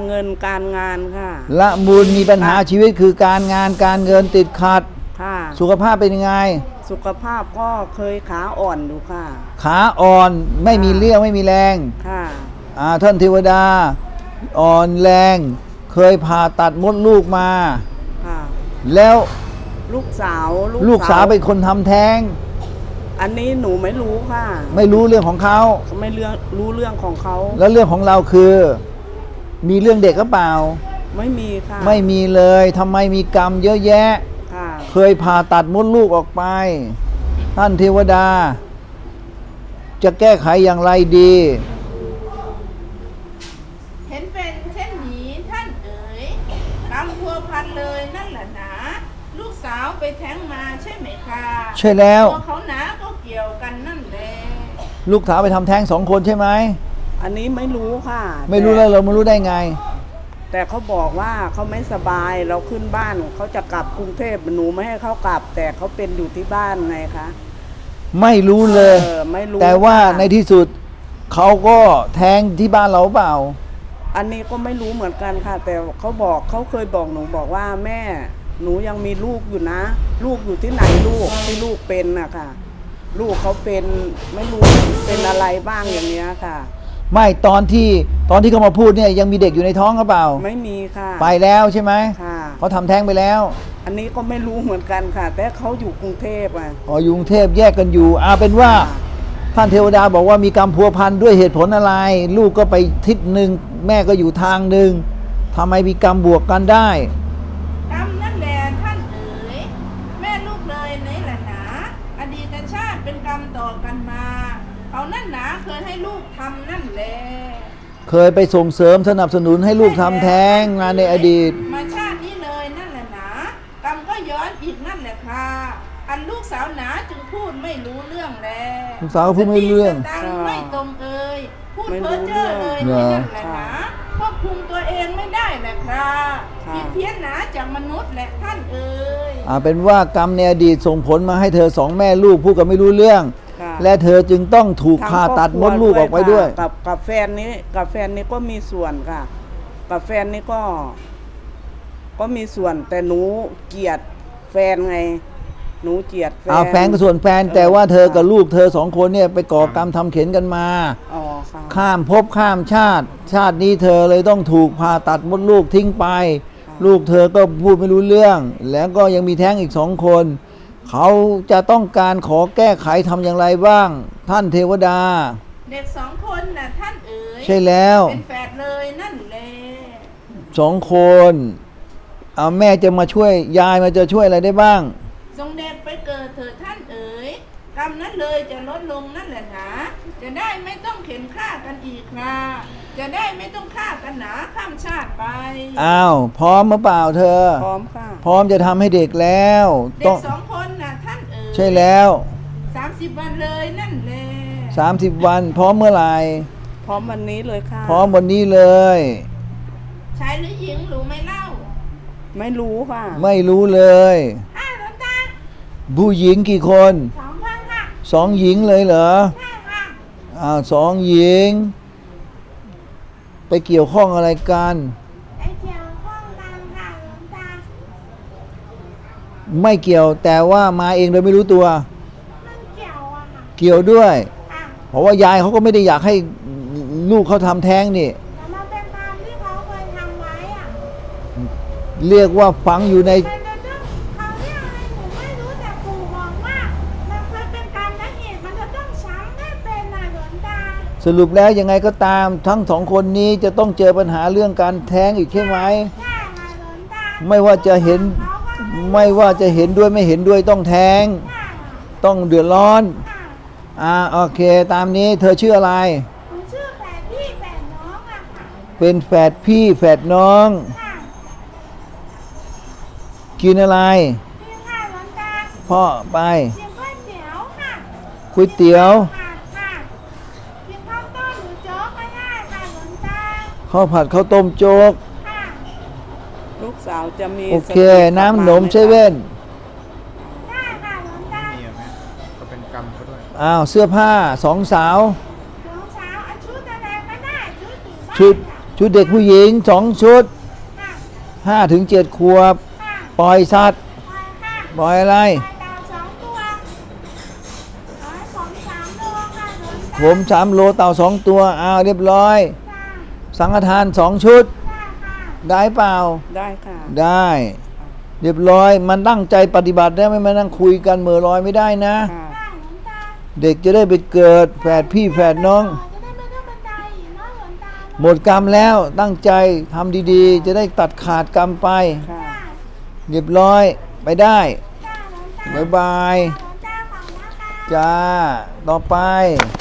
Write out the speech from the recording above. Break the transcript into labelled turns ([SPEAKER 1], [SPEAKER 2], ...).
[SPEAKER 1] เงินการงานค่ะ
[SPEAKER 2] ละมูลมีปัญหาชีวิตคือการงานการเงินติดขัด
[SPEAKER 1] ค่ะ
[SPEAKER 2] สุขภาพเป็นยังไง
[SPEAKER 1] สุขภาพก็เคยขาอ่อนอยู่ค่ะ
[SPEAKER 2] ขาอ่อนไม่มีเรี่ยวไม่มีแรง
[SPEAKER 1] ค่ะ
[SPEAKER 2] ท่านเทวดาอ่อนแรงเคยผ่าตัดมดลูกมา
[SPEAKER 1] ค่ะ
[SPEAKER 2] แล้ว
[SPEAKER 1] ลูกสาว
[SPEAKER 2] เป็นคนทำแท้ง
[SPEAKER 1] อันนี้หนูไม่รู้ค่ะ
[SPEAKER 2] ไม่รู้เรื่องของเขา
[SPEAKER 1] ไม่รู้เรื่องของเขา
[SPEAKER 2] แล้วเรื่องของเราคือมีเรื่องเด็กหรือเปล่า
[SPEAKER 1] ไม่มีค่ะ
[SPEAKER 2] ไม่มีเลยทำไมมีกรรมเยอะแยะ
[SPEAKER 1] ค่ะ
[SPEAKER 2] เคยผ่าตัดมดลูกออกไปท่านเทวดาจะแก้ไขอย่างไรดี
[SPEAKER 3] เห็นเป็นเช่นนี้ท่านเอ๋ยกรรมพัวพันเลยนั่นแหละหนาลูกสาวไปแท้งมาใช่ไหมคะ
[SPEAKER 2] ใช่แล้ว
[SPEAKER 3] ตัวเขาหนาก็เกี่ยวกันนั่นแหละ
[SPEAKER 2] ลูกสาวไปทำแท้ง2 คนใช่ไหม
[SPEAKER 1] อันนี้ไม่รู้ค่ะ
[SPEAKER 2] ไม่รู้แล้วเราไม่รู้ได้ไง
[SPEAKER 1] แต่เขาบอกว่าเขาไม่สบายเราขึ้นบ้านเขาจะกลับกรุงเทพหนูไม่ให้เขากลับแต่เขาเป็นอยู่ที่บ้านไงคะ
[SPEAKER 2] ไม่รู้เลย
[SPEAKER 1] ไม่รู้
[SPEAKER 2] แต่ว่าในที่สุดเขาก็แท้งที่บ้านเราเปล่า
[SPEAKER 1] อันนี้ก็ไม่รู้เหมือนกันค่ะแต่เขาเคยบอกหนูบอกว่าแม่หนูยังมีลูกอยู่นะลูกอยู่ที่ไหนลูกที่ลูกเป็นอะค่ะลูกเขาเป็นไม่รู้เป็นอะไรบ้างอย่างเนี้ยค่ะ
[SPEAKER 2] ไม่ตอนที่เขามาพูดเนี่ยยังมีเด็กอยู่ในท้องหรือเปล่า
[SPEAKER 1] ไม่มีค่ะ
[SPEAKER 2] ไปแล้วใช่ไหม
[SPEAKER 1] ค่ะ
[SPEAKER 2] เขาทำแท้งไปแล้ว
[SPEAKER 1] อันนี้ก็ไม่รู้เหมือนกันค่ะแต่เขาอยู่กรุงเทพอ่ะ
[SPEAKER 2] อยู่กรุงเทพแยกกันอยู่เป็นว่าท่านเทวดาบอกว่ามีกรรมพัวพันด้วยเหตุผลอะไรลูกก็ไปทิศหนึ่งแม่ก็อยู่ทางหนึ่งทำไมมีกรรมบวกกันได้
[SPEAKER 3] กรรมนั่นแหละท่านเอ๋ยแม่ลูกเลยนี่แหละหนาอดีตชาติเป็นกรรมต่อกันมาเขานั่นหนาเคยให้ลูกทำนั่นแหละ
[SPEAKER 2] เคยไปส่งเสริมสนับสนุนให้ลูกทำแท้งงานในอดีต
[SPEAKER 3] มาชาตินี้เลยนั่นแหละหนากรรมก็ย้อนอีกนั่นแหละค่ะอันลูกสาวหนาจึงพูดไม่รู้เรื่องแล้ว
[SPEAKER 2] ลูกสาวพูดไม่รู้เรื่อง
[SPEAKER 3] ไม่ตรงเอ่ยพูดเพ้อเจ้อเลยนั่นแหละหนาควบคุมตัวเองไม่ได้แหละครับผิดเพี้ยนหนาจากมนุษย์แหละท่านเอ่ย
[SPEAKER 2] เป็นว่ากรรมในอดีตส่งผลมาให้เธอ2 แม่ลูกพูดกันไม่รู้เรื่องและเธอจึงต้องถูกผ่าตัดมดลูกออกไปด้วย
[SPEAKER 1] กับแฟนนี้ก็มีส่วนค่ะกับแฟนนี้ก็มีส่วนแต่หนูเกลียดแฟนไงหนูเกลียด
[SPEAKER 2] แฟนก็ส่วนแฟนแต่ว่าเธอกับลูกเธอ2 คนเนี่ยไปก่อกรรมทำเข็นกันมาข้ามภพข้ามชาตินี้เธอเลยต้องถูกผ่าตัดมดลูกทิ้งไปลูกเธอก็พูดไม่รู้เรื่องแล้วก็ยังมีแท้งอีก2 คนเขาจะต้องการขอแก้ไขทำอย่างไรบ้างท่านเทวดา
[SPEAKER 3] เด็ก2 คนน่ะท่านเอ๋ย
[SPEAKER 2] ใช่แล้ว
[SPEAKER 3] เป็นแฝดเลยนั่นแหละ
[SPEAKER 2] 2 คนแม่จะมาช่วยยายมาจะช่วยอะไรได้บ้าง
[SPEAKER 3] ทรงเด็กไปเกิดเถิดท่านเอ๋ยกรรมนั้นเลยจะลดลงนั่นแหละหนาจะได้ไม่ต้องเข็นฆ่ากันอีกค่ะจะได้ไม่ต้องฆ่ากันหนาข้ามชาติไป
[SPEAKER 2] พร้อมหรือเปล่าเธอ
[SPEAKER 1] พร้อมค่ะ
[SPEAKER 2] พร้อมจะทำให้เด็กแล้ว
[SPEAKER 3] เด็ก2 คนน่ะท่านเอ๋ย
[SPEAKER 2] ใช่แล้ว
[SPEAKER 3] 30 วันเลยนั่นแหละ
[SPEAKER 2] 30 วันพร้อมเมื่อไหร่
[SPEAKER 1] พร้อมวันนี้เลยค่ะ
[SPEAKER 2] พร้อมวันนี้เลย
[SPEAKER 3] ชายหรือหญิงรู้ไหมเล่า
[SPEAKER 1] ไม่รู้ค่ะ
[SPEAKER 2] ไม่รู้เลยผู้หญิงกี่คน
[SPEAKER 3] 2 คนค่ะ
[SPEAKER 2] 2 หญิงเลยเหรอ
[SPEAKER 3] ใช่ค่ะ
[SPEAKER 2] 2 หญิงไปเกี่ยวข้องอะไรกัน
[SPEAKER 3] ไปเกี่ยวข้องกันค่ะหลวงตา
[SPEAKER 2] ไม่เกี่ยวแต่ว่ามาเองโดยไม่รู้ตัว
[SPEAKER 3] มันเกี่ยวอะค่ะ
[SPEAKER 2] เกี่ยวด้วยเพราะว่ายายเขาก็ไม่ได้อยากให้ลูกเขาทำแท้งนี่
[SPEAKER 3] แต่มันเป็นกรรมที่เขาเคยทำไว้อะ
[SPEAKER 2] เรียกว่าฝังอยู่ใน
[SPEAKER 3] เขาเรียกอะไรหนูไม่รู้แต่ปู่บอกว่ามันเคยเป็นกรรมและเหตุมันจะต้องช้ำให้เป็นน่ะหลวงตา
[SPEAKER 2] สรุปแล้วยังไงก็ตามทั้ง2 คนนี้จะต้องเจอปัญหาเรื่องการแท้งอีกใช่ไหม
[SPEAKER 3] ใช่ค่ะหลวงตา
[SPEAKER 2] ไม่ว่าจะเห็นด้วยไม่เห็นด้วยต้องแท้งต้องเดือดร้อนโอเคตามนี้เธอชื่ออะไร
[SPEAKER 3] หนูชื่อแฝดพี่แฝดน้องอะค่ะ
[SPEAKER 2] เป็นแฝดพี่แฝดน้องกินอะไร
[SPEAKER 3] กินค่ะหลวงตา
[SPEAKER 2] พ่อไป
[SPEAKER 3] กินก๋วยเตี๋ยวค่ะ
[SPEAKER 2] ก๋วยเตี๋ยว
[SPEAKER 3] ค่ะกินข้าวต้มหรือโจ๊กก็ได้ค่ะหลวงตา
[SPEAKER 2] ข้าวผัดข้าวต้มโจ๊ก
[SPEAKER 3] ค่ะ
[SPEAKER 1] ลูกสาวจะมี
[SPEAKER 2] โอเคน้ำหนมเซเว่น
[SPEAKER 3] ได้ค่ะหลวงตา
[SPEAKER 4] นี่ไหมก็เป็นกรรมเขาด้วย
[SPEAKER 2] เสื้อผ้า2 สาว
[SPEAKER 3] ชุดอะไรก็ได้ชุด
[SPEAKER 2] ชุดเด็กผู้หญิง2 ชุด 5 ถึง 7 ขวบ ปล่อยสัตว์ ปล่อยอะไร ผม3 โลเต่า2 ตัวอ้าวเรียบร้อย สังฆทาน2 ชุด ได้เปล่า
[SPEAKER 1] ได้ค่ะ
[SPEAKER 2] ได้ เรียบร้อย มันตั้งใจปฏิบัติได้ไม่มานั่งคุยกันเหม่อลอยไม่ได้นะ
[SPEAKER 1] ค่ะ
[SPEAKER 2] เด็กจะได้ไปเกิดแฝดพี่แฝดน้อง หมดกรรมแล้วตั้งใจทำดีๆ จะได้ตัดขาดกรรมไป
[SPEAKER 1] ค่ะ
[SPEAKER 2] เรียบร้อยไปได้บ๊ายบาย จ้า ต่อไป